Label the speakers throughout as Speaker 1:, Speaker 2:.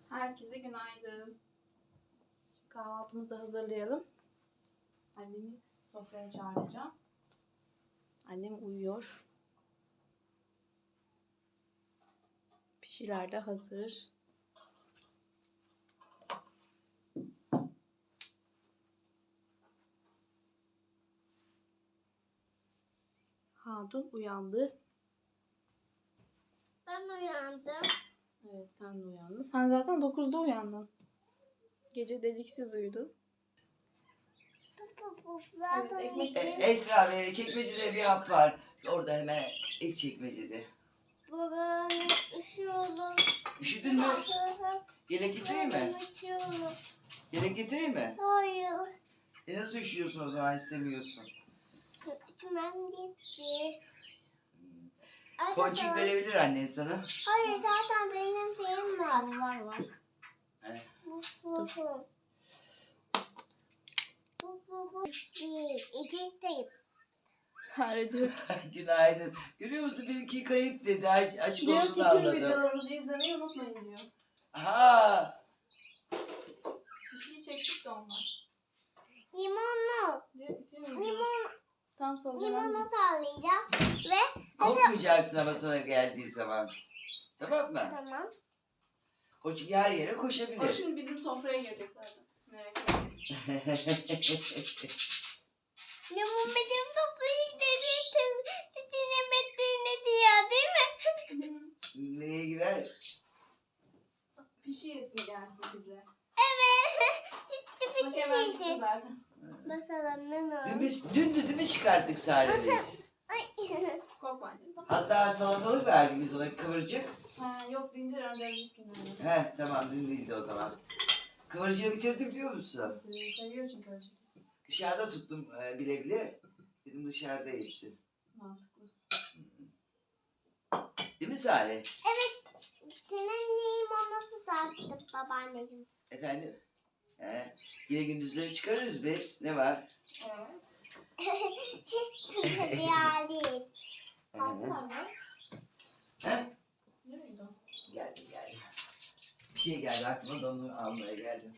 Speaker 1: Herkese günaydın. Kahvaltımızı hazırlayalım. Annemi sofraya çağıracağım. Annem uyuyor. Pişiler de hazır. Hatun uyandı.
Speaker 2: Ben uyandım.
Speaker 1: Evet, sen de uyandın. Sen zaten 9'da uyandın. Gece dediksiz uyudun.
Speaker 2: Zaten
Speaker 1: Evet, ekmek-
Speaker 3: Esra Bey, çekmecede bir hap var. Orada hemen ilk çekmecede.
Speaker 2: baba üşüyorum.
Speaker 3: Üşüdün mü? Yelek getireyim mi?
Speaker 2: Üşüyorum.
Speaker 3: Yelek getireyim mi?
Speaker 2: Hayır.
Speaker 3: Nasıl üşüyorsun o zaman istemiyorsun?
Speaker 2: İçmem gitti.
Speaker 3: Ponçik verebilir annen sana.
Speaker 2: Hayır zaten benim şeyim var.
Speaker 1: Var.
Speaker 3: Evet.
Speaker 2: Bu. Bir, iki, değil.
Speaker 1: Sare diyor ki,
Speaker 3: Günaydın. Görüyor musun benimki kayıt dedi. Açık
Speaker 1: diyor ki
Speaker 3: olduğunu
Speaker 1: tüm
Speaker 3: anladım.
Speaker 1: videolarımızı izlemeyi unutmayın diyor.
Speaker 3: Ha.
Speaker 1: Bir şey çektik de ondan.
Speaker 2: Limonlu.
Speaker 1: Diyor ki tüm videoları.
Speaker 2: Limon,
Speaker 1: Tam salacağım.
Speaker 2: limonu sallayacağım. Ve
Speaker 3: Korkmayacaksın ama sana geldiği zaman. Tamam mı?
Speaker 2: tamam.
Speaker 3: O çünkü her yere
Speaker 1: O
Speaker 3: koşabilir.
Speaker 1: şimdi bizim sofraya gelecek zaten. Merak etme.
Speaker 2: Limon benim sofrayı dediğin sütüne mettiğine diyor değil mi?
Speaker 3: Neye girer?
Speaker 1: Pişi yesin gelsin bize.
Speaker 2: Evet. Sütlü
Speaker 1: Bak hemen çıktı
Speaker 2: pişirdi.
Speaker 1: zaten.
Speaker 2: Mesela ne olur?
Speaker 3: Dündü değil mi çıkarttık Sare biz?
Speaker 1: Korkma annem. Tamam.
Speaker 3: Hatta salatalık verdik biz ona kıvırcık.
Speaker 1: Ha, yok deyince önceki günlerde.
Speaker 3: Tamam dün değildi o zaman. Kıvırcığı bitirdim biliyor musun?
Speaker 1: Seviyor çünkü öyle şey.
Speaker 3: Dışarıda tuttum bile bile. Dedim dışarıda yesin.
Speaker 1: Mantıklı.
Speaker 3: Değil mi Sare?
Speaker 2: Senin limonlu sattı babaanneciğim.
Speaker 3: Efendim? Yine gündüzleri çıkarırız biz. Ne var?
Speaker 1: Evet.
Speaker 2: Hiç hayali.
Speaker 1: Kalsın anne.
Speaker 3: He?
Speaker 1: Nereye gidiyorsun?
Speaker 3: Geldim. Bir şey geldi aklıma da onu almaya geldim.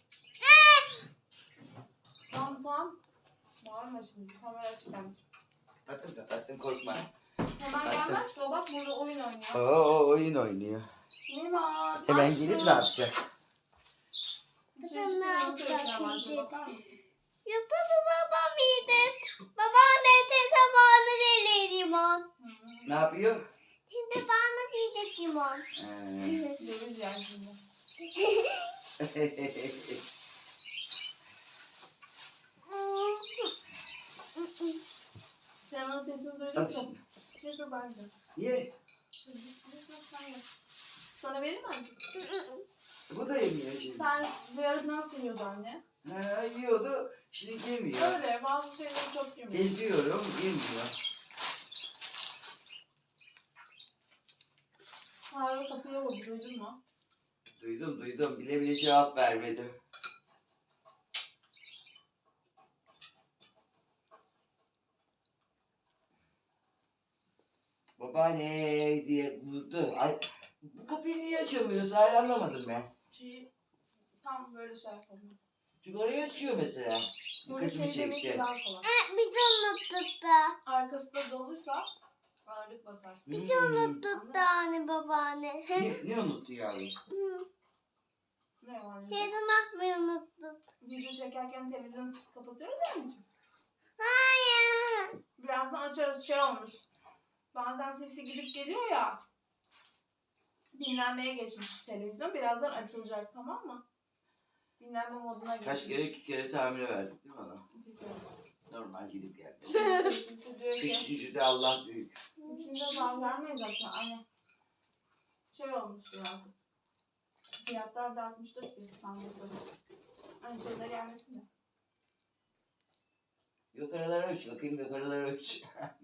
Speaker 1: Tamam. Bağırma şimdi. Kamera açık anne.
Speaker 3: Kapattım korkma.
Speaker 1: Hemen gelmez ki o bak burada oyun oynuyor.
Speaker 3: Oyun oynuyor.
Speaker 1: Mima.
Speaker 3: Hemen gelip ne yapacak?
Speaker 1: Dışarı çıkıyor. Söyleyeceğim başına bakar mısın?
Speaker 2: Yıldızı babam yedi. Babaanne tabağını deli limon.
Speaker 3: Ne yapıyor?
Speaker 2: Şimdi bana diyecek limon.
Speaker 1: Döviz yer şimdi. Sen onun sesini duydun
Speaker 3: Hadi
Speaker 1: mu?
Speaker 3: şimdi.
Speaker 1: Neyse ben de.
Speaker 3: Niye?
Speaker 1: Sana vereyim mi anne?
Speaker 3: Bu da yemiyor şimdi.
Speaker 1: Sen bir ara nasıl yiyordu anne?
Speaker 3: Yiyordu. Şimdi yemiyor.
Speaker 1: Öyle bazı şeyleri çok yemiyor.
Speaker 3: Geziyorum, yemiyor.
Speaker 1: Harbi kapıya vurdu duydun mu?
Speaker 3: Duydum. Bile bile cevap vermedim. Babaanne diye vurdu. Ay, bu kapıyı niye açamıyorsun? Hala anlamadım ben.
Speaker 1: Tam böyle şey yapalım.
Speaker 3: Çünkü orayı açıyor mesela.
Speaker 1: Böyle
Speaker 3: Dikkatimi
Speaker 1: şey demek ki
Speaker 3: çekti.
Speaker 1: daha kolay.
Speaker 2: Biz unuttuk da.
Speaker 1: Arkası da doluysa ağırlık basar.
Speaker 2: Biz unuttuk da anne babaanne.
Speaker 3: Ne unuttu yavrum?
Speaker 1: Ne var?
Speaker 2: Telefon atmayı unuttuk.
Speaker 1: Video çekerken televizyonu kapatıyoruz ya anneciğim.
Speaker 2: Hayır.
Speaker 1: Birazdan açarız şey olmuş. Bazen sesi gidip geliyor ya. Dinlenmeye geçmiş televizyon. Birazdan açılacak tamam mı? Dinlenme moduna geçmiş.
Speaker 3: Kaç kere 2 kere tamire verdik değil mi ona? Normal gidip gelmesi.
Speaker 1: Diyor ki,
Speaker 3: Üçüncü de Allah büyük.
Speaker 1: üçüncü zam vermeyiz zaten. Hani şey olmuştur artık. Fiyatlar da artmıştır ki sandıkları. Aynı şeyler gelmesin de.
Speaker 3: Yukarılara uç bakayım yukarılara uç.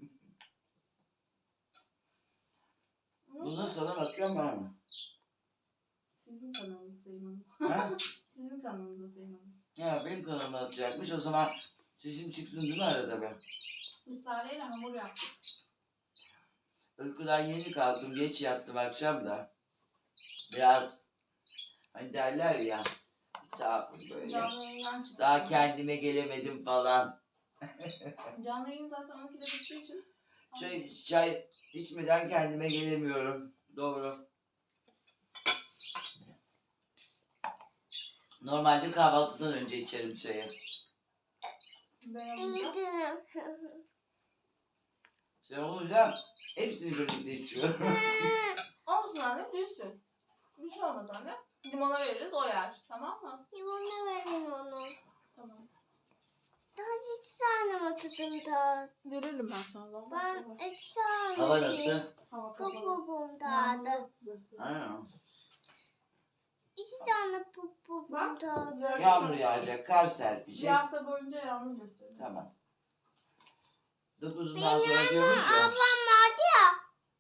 Speaker 3: Bunu sana bakıyorum var mı?
Speaker 1: Sizin kanalınız Sayın Hanım.
Speaker 3: Ha?
Speaker 1: Sizin kanalınız Sayın Hanım.
Speaker 3: Ya benim kanalıma atacakmış o zaman sesim çıksın değil mi arada be?
Speaker 1: Biz Sare'yle hamur yaptık.
Speaker 3: Uykudan yeni kalktım geç yattım akşam da. Biraz Hani derler ya. Zaafım böyle.
Speaker 1: Canlı yayından çıktı.
Speaker 3: Daha kendime gelemedim falan.
Speaker 1: Canlı yayın zaten 12'de bittiği için.
Speaker 3: Çay içmeden kendime gelemiyorum. Doğru. Normalde kahvaltıdan önce içerim çayı.
Speaker 1: Ben olunca.
Speaker 2: Evet.
Speaker 3: Sen olunca hepsini birlikte içiyorum.
Speaker 1: Olsun anne düşsün. Bir şey olmaz anne. Limona veririz o yer. Tamam mı?
Speaker 2: Limonu verin onu.
Speaker 1: Tamam.
Speaker 2: Daha 2 tane mi tutun da?
Speaker 1: Veririm ben sana.
Speaker 2: Ben 2 tane.
Speaker 3: Hava nasıl?
Speaker 1: Hava kapalı.
Speaker 2: Popopum dağıdı.
Speaker 1: Yağmurlu gösteriyor.
Speaker 3: Ha.
Speaker 2: 2 tane popopum
Speaker 1: Bak.
Speaker 2: dağıdı.
Speaker 3: Yağmur yağacak, kar serpecek.
Speaker 1: Yağsa boyunca yağmur gösteriyor.
Speaker 3: Tamam. 9'undan
Speaker 2: Benim
Speaker 3: sonra diyormuş ya.
Speaker 2: ablam vardı ya.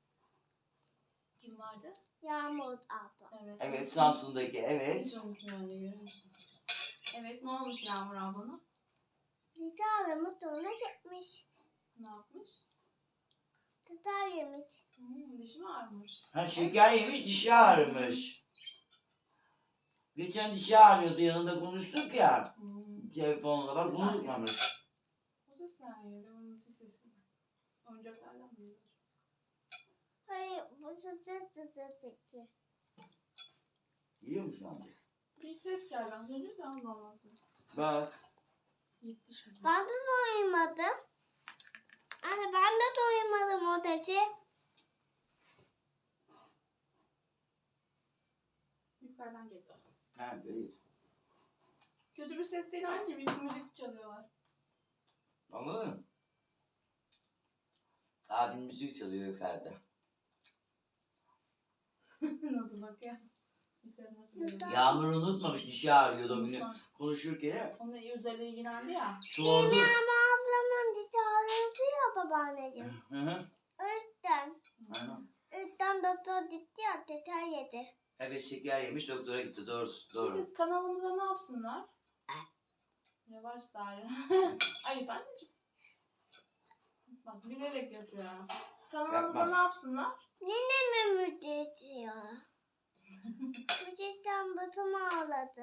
Speaker 1: Kim vardı?
Speaker 2: Yağmur abla.
Speaker 1: Evet.
Speaker 3: Evet, Samsun'daki evet.
Speaker 1: Hiç unutmuyorum anne görüyor musun? Evet ne olmuş Yağmur ablana?
Speaker 2: Bir tane motoruna gitmiş.
Speaker 1: Ne yapmış?
Speaker 2: Tutar yemiş.
Speaker 1: Dişi mi ağrımış?
Speaker 3: Ha, şeker yemiş, dişi ağrımış. Geçen dişi ağrıyordu, yanında konuştuk ya. Telefonla bak, unutmamış.
Speaker 1: O ses nereden geliyor? Onun sesi mi? Oyuncaklardan mı geliyor?
Speaker 2: Hayır bu tutar.
Speaker 3: Biliyor musun amca?
Speaker 1: Bir ses geldi. Az önce de Allah Allah.
Speaker 3: Bak.
Speaker 1: Gitti şimdi.
Speaker 2: Ben de doymadım. Anne ben de doymadım o dedi.
Speaker 1: Yukarıdan geliyor.
Speaker 3: Ha, değil.
Speaker 1: Kötü bir ses değil anca bir müzik çalıyorlar.
Speaker 3: Anladın mı? Abim müzik çalıyor yukarıda.
Speaker 1: Nasıl bakıyor? Yukarı nasıl geliyor?
Speaker 3: Yağmur unutmamış, dişi ağrıyordu o günü.
Speaker 1: Unutmam.
Speaker 3: Konuşurken
Speaker 1: Onunla özel ilgilendi ya.
Speaker 3: sordu.
Speaker 2: Ama ablamın dişi ağrıyordu ya babaanneciğim.
Speaker 3: Hı hı.
Speaker 2: Öğütten.
Speaker 3: Hı.
Speaker 2: Öğütten doktor gitti ya teter yedi.
Speaker 3: Evet, şeker yemiş, doktora gitti. Doğrusu, doğru.
Speaker 1: Şimdi kanalımıza ne yapsınlar? Yavaş Tarih. Ayıp anneciğim. Bak bilerek yapıyor ya. Kanalımıza
Speaker 3: Yapmaz.
Speaker 1: ne yapsınlar?
Speaker 2: Nene mi müddet ya? Müddetten batım ağladı.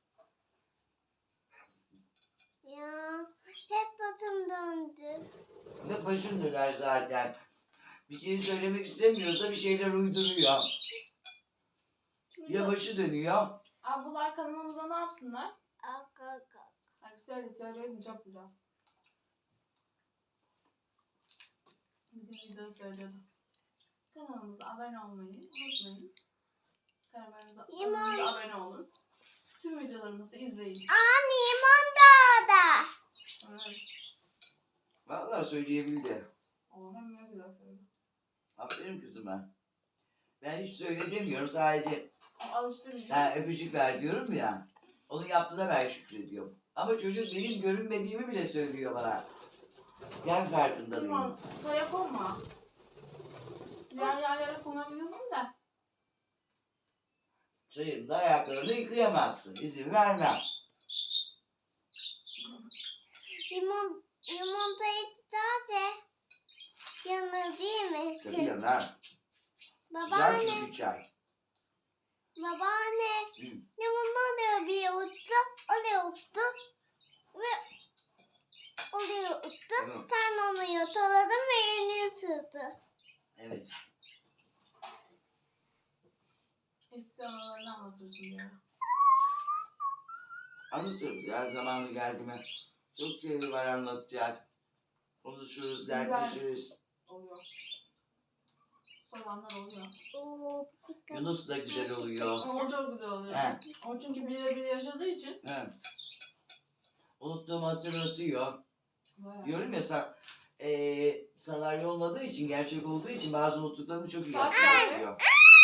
Speaker 2: Ya hep batım döndü.
Speaker 3: Ne başın döner zaten. Bir şey söylemek istemiyorsa bir şeyler uyduruyor.
Speaker 1: Şimdi
Speaker 3: Ya başı dönüyor.
Speaker 1: ablalar kanalımıza ne yapsınlar?
Speaker 2: Ak.
Speaker 1: Hadi söyleyelim çok güzel. Bizim videoyu söylüyordu. Kanalımıza abone olmayı unutmayın. Kanalımıza abone olun. Tüm videolarımızı izleyin.
Speaker 2: Anne limon dağda.
Speaker 1: Evet.
Speaker 3: Vallahi söyleyebildi.
Speaker 1: O hem ne güzel söyledi.
Speaker 3: Aferin kızıma. Ben hiç söyle demiyorum. Sadece
Speaker 1: O alıştı bizi.
Speaker 3: öpücük ver diyorum ya. Onu yaptığına ben şükrediyorum. Ama çocuk benim görünmediğimi bile söylüyor bana. Ben farkında değilim.
Speaker 1: Limon, çaya konma. Diğer yerlere konabiliyorsun da.
Speaker 3: Çayın da ayaklarını yıkayamazsın. İzin vermem.
Speaker 2: Limonatayı tutarsa yanır değil mi?
Speaker 3: Tabii yanar. Güzel
Speaker 2: Babaanne,
Speaker 3: çünkü çay.
Speaker 2: babaanne.
Speaker 3: Hı.
Speaker 2: Limonata bir ottu, oraya ottu ve oraya ottu.
Speaker 3: Hı.
Speaker 2: Sen onu yataladın ve yeni ısırdı.
Speaker 3: Evet.
Speaker 1: Eski anılarını anlatırsın diyor.
Speaker 3: Anlatırız ya, zamanı geldi mi? Çok şey var anlatacak. Konuşuruz,
Speaker 1: Güzel.
Speaker 3: dertleşiriz.
Speaker 1: Oluyor. Soranlar oluyor.
Speaker 2: Oo, dikkat.
Speaker 3: Yunus da güzel oluyor.
Speaker 1: O çok güzel oluyor.
Speaker 3: He.
Speaker 1: O çünkü birebir yaşadığı için.
Speaker 3: He. Unuttuğumu hatırlatıyor.
Speaker 1: Bayağı.
Speaker 3: Diyorum ya senaryo olmadığı için, gerçek olduğu için bazı unuttuklarımı çok iyi
Speaker 1: Bak.
Speaker 3: hatırlatıyor.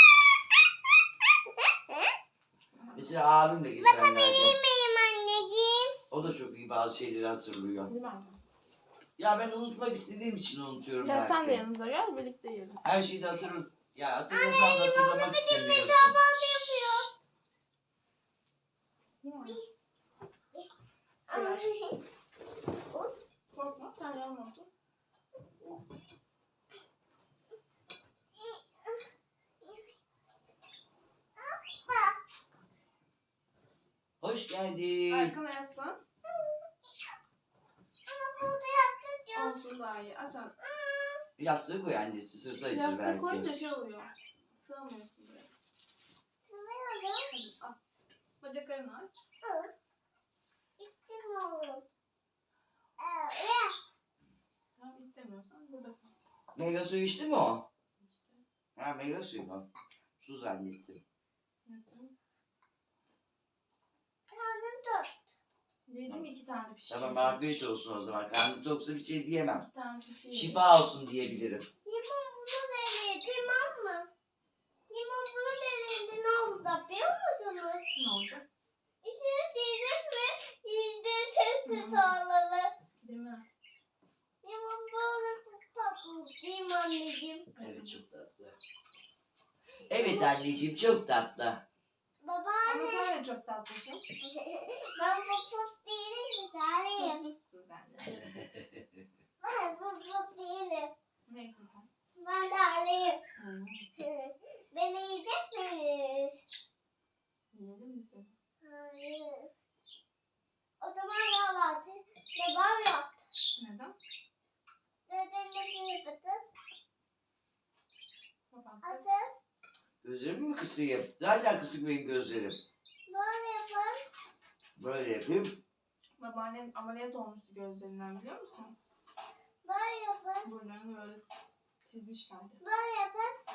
Speaker 3: Mesela abim de geçenlerde.
Speaker 2: Benim anneciğim.
Speaker 3: O da çok iyi bazı şeyleri hatırlıyor.
Speaker 1: Değil mi anne?
Speaker 3: Ya ben unutmak istediğim için unutuyorum
Speaker 1: Gel
Speaker 3: belki.
Speaker 1: sen de yanımıza gel birlikte yiyelim.
Speaker 3: Her şeyi de ya hatırlasam da hatırlamak istemiyorsun.
Speaker 2: Kahvaltı yapıyor.
Speaker 1: Değil mi anne?
Speaker 2: Ay.
Speaker 1: Korkma sen yanma otur.
Speaker 3: Hoş geldin.
Speaker 1: Arkana yaslan.
Speaker 2: Ama burada yatacağım.
Speaker 1: Olsun daha iyi. Aç aç.
Speaker 3: Yastığı koy annesi, sırta içir
Speaker 1: Yastığı
Speaker 3: belki.
Speaker 1: koyunca şey oluyor. Sığamıyorsun buraya.
Speaker 2: Sığmıyorum.
Speaker 1: Hadi al. Bacaklarını aç.
Speaker 2: İçtim oğlum.
Speaker 1: Tamam istemiyorsan burada kal.
Speaker 3: Meyve suyu içti mi o?
Speaker 1: İşte.
Speaker 3: Ha meyve suyu mu? Su zannettim.
Speaker 2: Karnım tok.
Speaker 1: Dedim 2 tane pişiyor.
Speaker 3: Tamam afiyet olsun o zaman. Karnım toksa bir şey diyemem.
Speaker 1: 2 tane pişiyor.
Speaker 3: Şifa olsun diyebilirim.
Speaker 2: Limon bunu denedi, tamam mı? Limon bunu denedi, ne oldu da biliyor musunuz?
Speaker 1: Ne olacak?
Speaker 2: İçine değdik ve yiyince sesi
Speaker 1: Hı.
Speaker 2: sağladı.
Speaker 1: Değil mi?
Speaker 2: Limon böyle çok tatlı değil mi anneciğim?
Speaker 3: Evet çok tatlı. Evet anneciğim çok tatlı.
Speaker 1: Ama
Speaker 2: Babaanne,
Speaker 1: sen de çok tatlısın.
Speaker 2: ben pop pop değilim ki tarihim.
Speaker 1: Tatlısın ben de.
Speaker 2: Ben pop pop değilim.
Speaker 1: Neyse sen.
Speaker 2: Ben tarihim.
Speaker 1: Hı.
Speaker 2: Beni yiyecek miyiz?
Speaker 1: Yiyelim mi seni?
Speaker 2: Hayır. O zaman kahvaltı devam yaptı.
Speaker 1: Neden?
Speaker 2: Dedemle yapıp
Speaker 1: Kapattım.
Speaker 2: atın.
Speaker 3: Gözlerimi mi kısayım? Zaten kısık benim gözlerim.
Speaker 2: Böyle yapın.
Speaker 3: Böyle yapayım.
Speaker 1: Babaannen ameliyat olmuştu gözlerinden biliyor musun?
Speaker 2: Böyle yapın.
Speaker 1: Burnlarını böyle çizmişlerdi.
Speaker 2: Böyle yapın.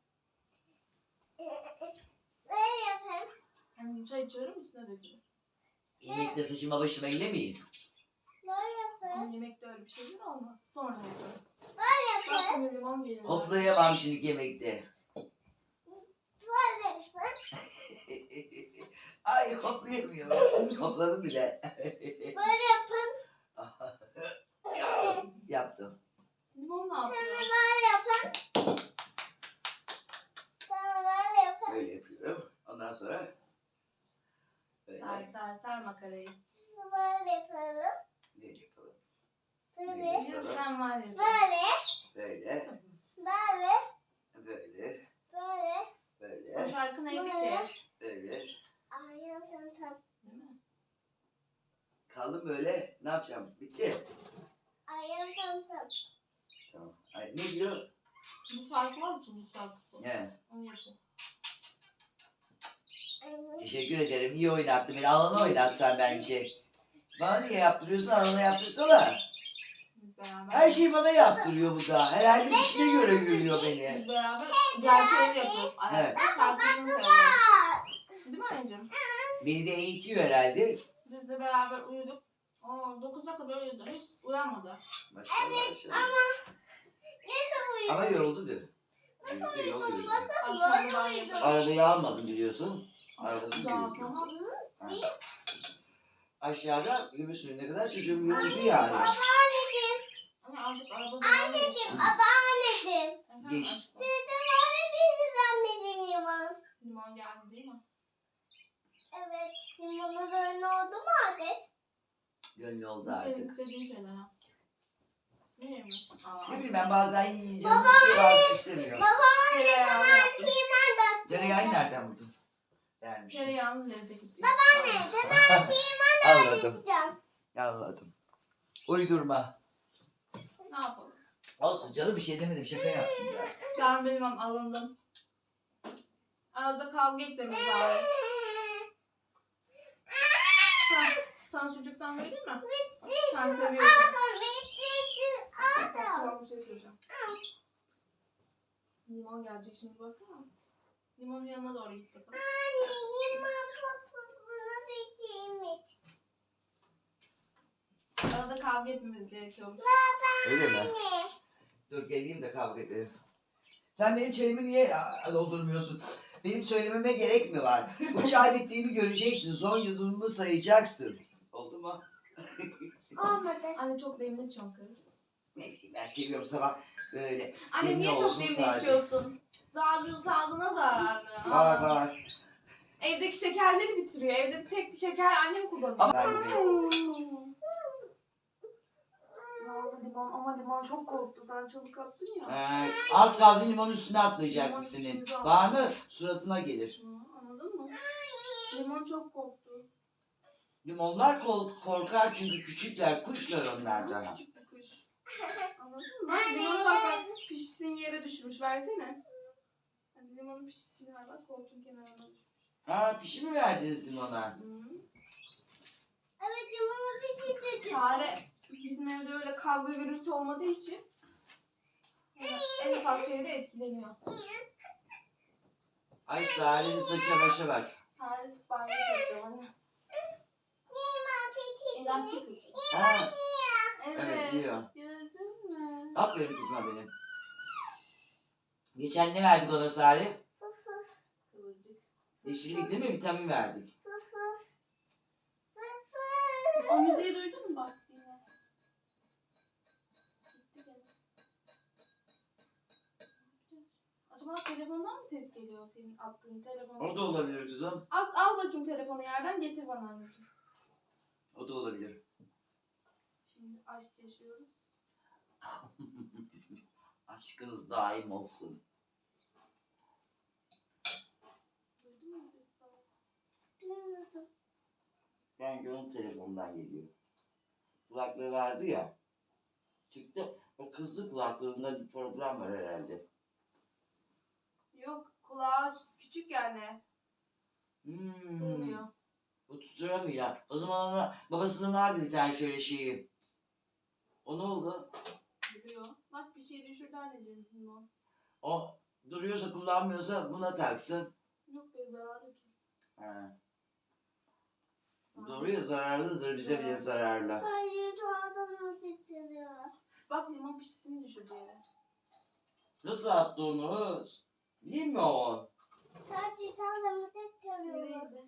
Speaker 2: Böyle yapın.
Speaker 1: Hani çay içiyorum üstüne dökülüyor.
Speaker 3: Yemekte saçıma başıma eylemeyin.
Speaker 2: Böyle
Speaker 1: Ama
Speaker 2: yapın.
Speaker 1: yemekte öyle bir şeyler olmaz. Sonra yaparız.
Speaker 2: Böyle
Speaker 1: Bak
Speaker 2: yapın.
Speaker 1: şimdi limon gelir.
Speaker 3: Hoplayamam şimdi yemekte.
Speaker 2: Böyle yapın.
Speaker 3: Ay hoplayamıyorum. Hopladım bile.
Speaker 2: Böyle yapın.
Speaker 3: Yaptım.
Speaker 1: Limon ne
Speaker 2: Sonra
Speaker 1: yapıyor?
Speaker 2: böyle yapın. Sonra böyle yapın.
Speaker 3: Böyle yapıyorum. Ondan sonra böyle.
Speaker 1: Sar makarayı.
Speaker 2: Böyle yapalım.
Speaker 3: Böyle yapalım.
Speaker 2: Böyle.
Speaker 1: Ya sen var ya.
Speaker 2: Böyle.
Speaker 3: Böyle.
Speaker 2: Böyle.
Speaker 3: Böyle.
Speaker 2: Böyle.
Speaker 1: O
Speaker 3: Böyle.
Speaker 1: şarkı neydi ki?
Speaker 2: Böyle.
Speaker 3: Böyle.
Speaker 2: Ayağım tam.
Speaker 1: Değil mi?
Speaker 3: Kaldım böyle. Ne yapacağım? Bitti.
Speaker 2: Ayağım tam.
Speaker 3: Tamam. Ay, ne diyor?
Speaker 1: Bu şarkı var mı çocuk şarkısı?
Speaker 3: Ne?
Speaker 1: Onu yapıyor.
Speaker 3: Teşekkür ederim. İyi oynattın beni. Alana oynatsan bence. Bana niye yaptırıyorsun? Alana yaptırsana.
Speaker 1: Biz beraber.
Speaker 3: Her şeyi bana yaptırıyor bu da. Herhalde işine göre görüyor beni.
Speaker 1: Biz beraber gerçeğini yapıyoruz. Ayakta şarkısını söylüyoruz. Değil mi anneciğim?
Speaker 3: Beni de eğitiyor herhalde.
Speaker 1: Biz de beraber uyuduk. 9'a kadar uyudu. Hiç uyanmadı.
Speaker 3: Maşallah maşallah.
Speaker 2: Nasıl uyudun?
Speaker 3: Ama yoruldu dün. Çocuk da yol yürüdü.
Speaker 1: Akşam daha yaparız.
Speaker 3: Arabayı almadım biliyorsun. Arabasız
Speaker 1: Daha
Speaker 3: yürüdüm.
Speaker 1: tamam.
Speaker 3: Ha. Aşağıda Gümüşsünün ne kadar çocuğum yürüdü yani.
Speaker 2: Babaanneciğim.
Speaker 1: Ama artık araba zamanı geçti.
Speaker 2: Anneciğim. Babaanneciğim.
Speaker 1: Efendim
Speaker 3: Geçti.
Speaker 1: aşkım?
Speaker 2: Dedem öyle değildi anneciğim Yaman.
Speaker 1: Limon geldi değil mi?
Speaker 2: Evet. Limonu da önüne oldu mu adet?
Speaker 3: Gönlü oldu
Speaker 1: Senin
Speaker 3: artık.
Speaker 1: istediğin şeyler ha. Ne yemiyorsun?
Speaker 3: Ne bileyim ben bazen yiyeceğim istiyor bazen istemiyor.
Speaker 1: Tereyağlı yaptım.
Speaker 2: Kıyman da.
Speaker 3: Tereyağı nereden buldun? Vermiş.
Speaker 1: Tereyağlı lezzeti.
Speaker 2: Babaanne. Dedem kıyman da
Speaker 3: Anladım.
Speaker 2: yiyeceğim.
Speaker 3: Anladım. Uydurma.
Speaker 1: Ne yapalım?
Speaker 3: Olsun canım bir şey demedim şaka yaptım ya.
Speaker 1: Ben bilmem alındım. Arada kavga etmemiz var. Sana sucuktan vereyim mi? Sen seviyorsun.
Speaker 2: Adam bitti.
Speaker 1: Bak,
Speaker 2: Adam.
Speaker 1: tamam bir şey söyleyeceğim. Limon gelecek şimdi baksana. Limonun yanına doğru git bakalım.
Speaker 2: Anne limon popopunu bitirmiş.
Speaker 1: Arada kavga etmemiz gerekiyor.
Speaker 3: Öyle mi?
Speaker 2: Anne.
Speaker 3: Dur geleyim de kavga edelim. Sen benim çayımı niye doldurmuyorsun? Benim söylememe gerek mi var? Bu çay bittiğini göreceksin. Son yudumumu sayacaksın. Oldu mu?
Speaker 2: Olmadı.
Speaker 1: Anne çok demli içiyorsun kız.
Speaker 3: Ne bileyim ben seviyorum sabah böyle.
Speaker 1: Anne
Speaker 3: Demli
Speaker 1: niye çok
Speaker 3: olsun
Speaker 1: demli
Speaker 3: sadece.
Speaker 1: içiyorsun? Zararlı, sağlığına zararlı.
Speaker 3: Var
Speaker 1: Aa.
Speaker 3: var.
Speaker 1: Evdeki şekerleri bitiriyor. Evde tek bir şeker annem kullanıyor.
Speaker 3: Ama
Speaker 1: Ne oldu limon? Ama limon çok korktu. Sen çabuk attın ya.
Speaker 3: az kalsın limonun üstüne atlayacaktı
Speaker 1: Limon
Speaker 3: senin.
Speaker 1: üstünüze
Speaker 3: Var mı? Suratına gelir.
Speaker 1: Anladın mı? Limon çok korktu.
Speaker 3: Limonlar korkar çünkü küçükler, kuşlar onlar da.
Speaker 1: Küçük bir kuş. Anladın mı? Limona bak bak. Pişsin yere düşmüş. Versene. Hadi limonun pişisini ver bak. Koltuğun kenarına düşmüş.
Speaker 3: Ha, pişi mi verdiniz limona?
Speaker 2: Evet limonu pişirdik.
Speaker 1: Sare bizim evde öyle kavga gürültü olmadığı için en ufak şeyde etkileniyor.
Speaker 3: Ay Sare'nin saça başa bak.
Speaker 1: Sare sıkbarmaya çalışıyor anne.
Speaker 2: Limon pişirdik.
Speaker 1: İnatçı kız.
Speaker 3: Ha,
Speaker 1: Evet.
Speaker 3: evet diyor.
Speaker 1: Gördün mü?
Speaker 3: Aferin kızma benim. Geçen ne verdik ona Sare?
Speaker 1: Kıvırcık.
Speaker 3: Yeşillik değil mi? Vitamin verdik.
Speaker 1: O müziği duydun mu bak dinle. Gitti gene. Acaba telefondan mı ses geliyor senin attığın telefonu?
Speaker 3: O da olabilir kızım.
Speaker 1: Al bakayım telefonu yerden getir bana anneciğim.
Speaker 3: O da olabilir.
Speaker 1: Şimdi aşk yaşıyoruz.
Speaker 3: Aşkınız daim olsun.
Speaker 1: Duydun mu ses falan?
Speaker 3: Ben onun telefonundan geliyor. Kulaklığı vardı ya. Çıktı. O kızlı kulaklığında bir problem var herhalde.
Speaker 1: Yok kulağı küçük yani.
Speaker 3: Hmm.
Speaker 1: Sığmıyor.
Speaker 3: O tutturamıyor. O zaman ona, babasının vardı bir tane şöyle şeyi. O ne oldu?
Speaker 1: Duruyor. Bak bir şey düşürdü anneciğim. Limon.
Speaker 3: O duruyorsa kullanmıyorsa buna taksın.
Speaker 1: Yok be zararlı ki.
Speaker 3: Ha. Doğru ya, zararlıdır, bize bile zararlı.
Speaker 2: Hayır doğadan titriyor.
Speaker 1: Bak limon pişisini düşürdü yere.
Speaker 3: Nasıl attı onu? Değil mi o?
Speaker 2: Sadece doğadan titriyor.
Speaker 1: Nereydi?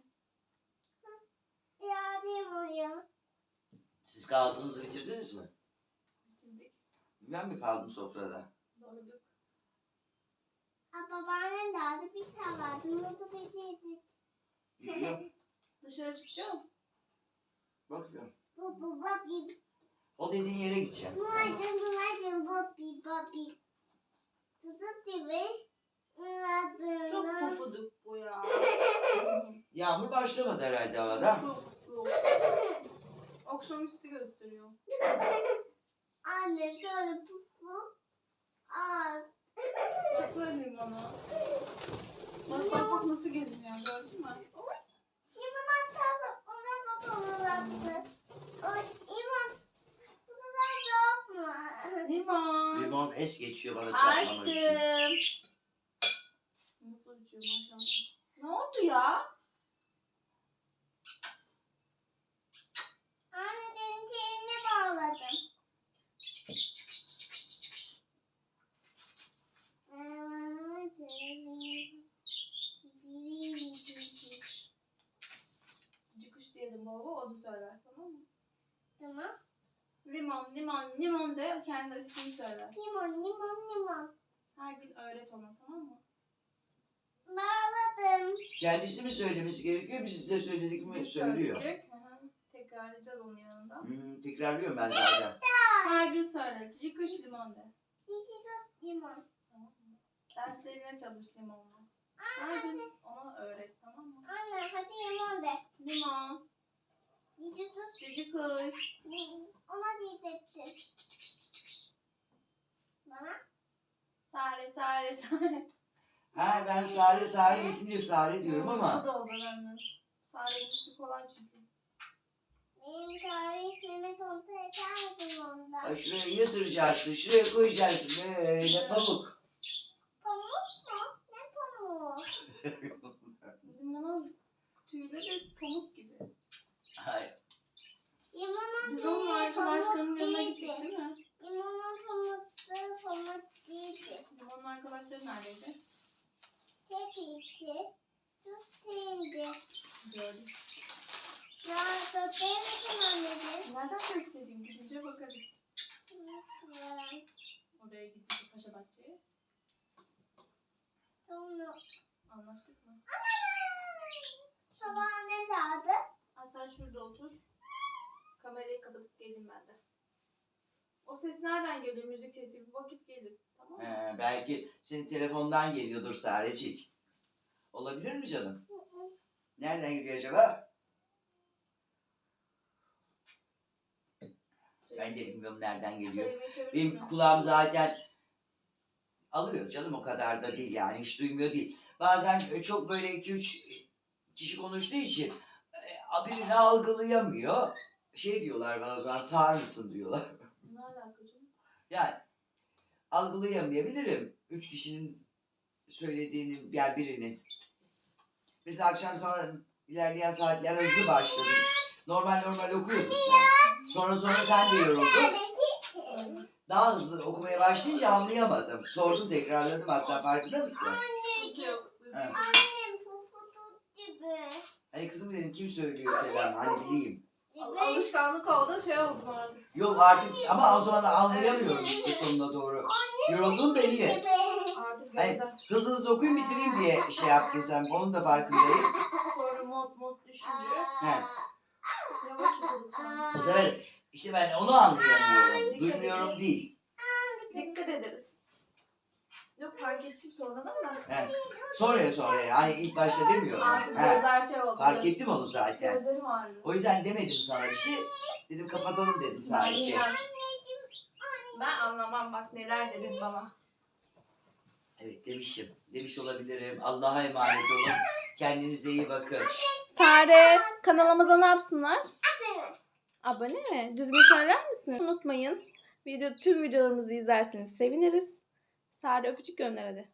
Speaker 2: Ya limon ya.
Speaker 3: Siz kahvaltınızı bitirdiniz mi?
Speaker 1: Bitirdik.
Speaker 3: Ben mi kaldım sofrada?
Speaker 1: Doyduk.
Speaker 2: Babaannem de aldı bir tane vardı. Mutlu bitirdik.
Speaker 3: Gidiyor.
Speaker 1: Dışarı çıkacağım.
Speaker 3: Bakıyorum.
Speaker 2: Bu
Speaker 3: O dediğin yere gideceğim.
Speaker 2: Buladın Bobby. Tutup gibi.
Speaker 1: Çok
Speaker 2: Buladın.
Speaker 1: pufuduk bu ya.
Speaker 3: Yağmur başlamadı herhalde havada.
Speaker 1: Yok. Akşamüstü gösteriyor.
Speaker 2: Anne şöyle pupu. Aa.
Speaker 1: Baksana limona. Bak nasıl geziniyor gördün mü?
Speaker 2: Limon atası ona da dolattı. O limon. Bu sefer yok mu?
Speaker 1: Limon.
Speaker 3: Limon es geçiyor bana çarpmamak için.
Speaker 1: Aşkım. Nasıl uçuyor maşallah. Ne oldu ya?
Speaker 2: Anne senin şeyine bağladım.
Speaker 1: Cıkış diyelim baba o da söyler tamam mı?
Speaker 2: Tamam.
Speaker 1: Limon de kendi ismini söyler.
Speaker 2: Limon.
Speaker 1: Her gün öğret ona tamam mı?
Speaker 2: Bağladım.
Speaker 3: Kendisi mi söylemesi gerekiyor, biz de söyledik mi
Speaker 1: Biz
Speaker 3: söylüyor.
Speaker 1: söyleyecek. Hı hı. Tekrarlayacağız onun yanında.
Speaker 3: Tekrarlıyorum ben zaten.
Speaker 1: Her gün söyle. Cıkış limon de.
Speaker 2: Limon.
Speaker 1: Tamam mı? Derslerine çalış limonla. Her gün ona öğret tamam mı?
Speaker 2: Anne hadi limon de.
Speaker 1: Limon.
Speaker 2: Cici tut.
Speaker 1: Cici kış.
Speaker 2: Ona diyeceksin. Bana.
Speaker 1: Sare.
Speaker 3: Ha, ben Sare isimli Sare diyorum
Speaker 1: O
Speaker 3: ama.
Speaker 1: da olur annem. Sare'nin ismi kolay çünkü.
Speaker 2: Benim tarih Mehmet Onta yetermedim onda.
Speaker 3: Ay, şuraya yatıracaksın, şuraya koyacaksın böyle pamuk.
Speaker 2: Pamuk mu? Ne pamuğu?
Speaker 1: Limonun tüyleri pamuk gibi.
Speaker 3: Ay,
Speaker 2: Limonun
Speaker 1: Biz onun
Speaker 2: tüyü
Speaker 1: arkadaşlarının
Speaker 2: pamuk
Speaker 1: yanına gittik
Speaker 2: değildi.
Speaker 1: değil mi?
Speaker 2: Limonun pamuk değildi.
Speaker 1: Limonun arkadaşları neredeydi?
Speaker 2: Hepsi tuttuğunda.
Speaker 1: Gördük.
Speaker 2: Ya tuttuğum anneciğim.
Speaker 1: Nereden göstereyim? Gidince bakarız. Oraya gittik Paşa Bahçe'ye.
Speaker 2: Sonra
Speaker 1: Anlaştık mı?
Speaker 2: babaannem de aldı.
Speaker 1: Sen şurada otur. Kamerayı kapatıp geleyim ben de. O ses nereden geliyor? Müzik sesi bir bakıp gelir. Tamam mı?
Speaker 3: belki senin telefondan geliyordur Sarecik. Olabilir mi canım? Nereden geliyor acaba? Ben de bilmiyorum nereden geliyor.
Speaker 1: Çayımı içebilir
Speaker 3: Benim
Speaker 1: miyim?
Speaker 3: kulağım zaten alıyor canım, o kadar da değil yani, hiç duymuyor değil. Bazen çok böyle 2-3 kişi konuştuğu için birini algılayamıyor. Şey diyorlar bazen, sağır mısın diyorlar.
Speaker 1: Ne alaka canım?
Speaker 3: Yani algılayamayabilirim 3 kişinin söylediğini, yani birini. Mesela akşam sana ilerleyen saatler hızlı başladın. Normal okuyordun sen. Sonra sen de yoruldun. Daha hızlı okumaya başlayınca anlayamadım. Sordum, tekrarladım hatta, farkında mısın?
Speaker 1: Sıkıntı yok.
Speaker 3: Ha.
Speaker 2: Annem pufuduk gibi.
Speaker 3: Hani kızım dedim, kim söylüyor selam, hani bileyim.
Speaker 1: Alışkanlık oldu, şey oldu artık.
Speaker 3: Yok artık, ama o zaman anlayamıyorum işte sonuna doğru. Yoruldun belli.
Speaker 1: Artık
Speaker 3: Hayır.
Speaker 1: gözden.
Speaker 3: Hızlı okuyun bitireyim diye şey yaptın sen, onun da farkındayım.
Speaker 1: Sonra mod düşünce
Speaker 3: He.
Speaker 1: yavaş okuduk sonra.
Speaker 3: Bu sefer işte ben onu anlayamıyorum. Duymuyorum değil.
Speaker 1: Dikkat ederiz. Yok, fark ettim sonradan da.
Speaker 3: He. Sonra yani ilk başta demiyorum.
Speaker 1: Artık
Speaker 3: He.
Speaker 1: gözler şey oldu.
Speaker 3: Fark ettim onu zaten.
Speaker 1: Gözlerim ağrıyor.
Speaker 3: O yüzden demedim sana bir şey. Dedim kapatalım dedim sadece.
Speaker 1: Ben anlamam, bak neler dedin bana.
Speaker 3: Evet demişim. Demiş olabilirim. Allah'a emanet olun. Kendinize iyi bakın.
Speaker 1: Sare, kanalımıza ne yapsınlar? Abone mi? Düzgün söyler misin? Unutmayın. Tüm videolarımızı izlerseniz seviniriz. Sare öpücük gönder hadi.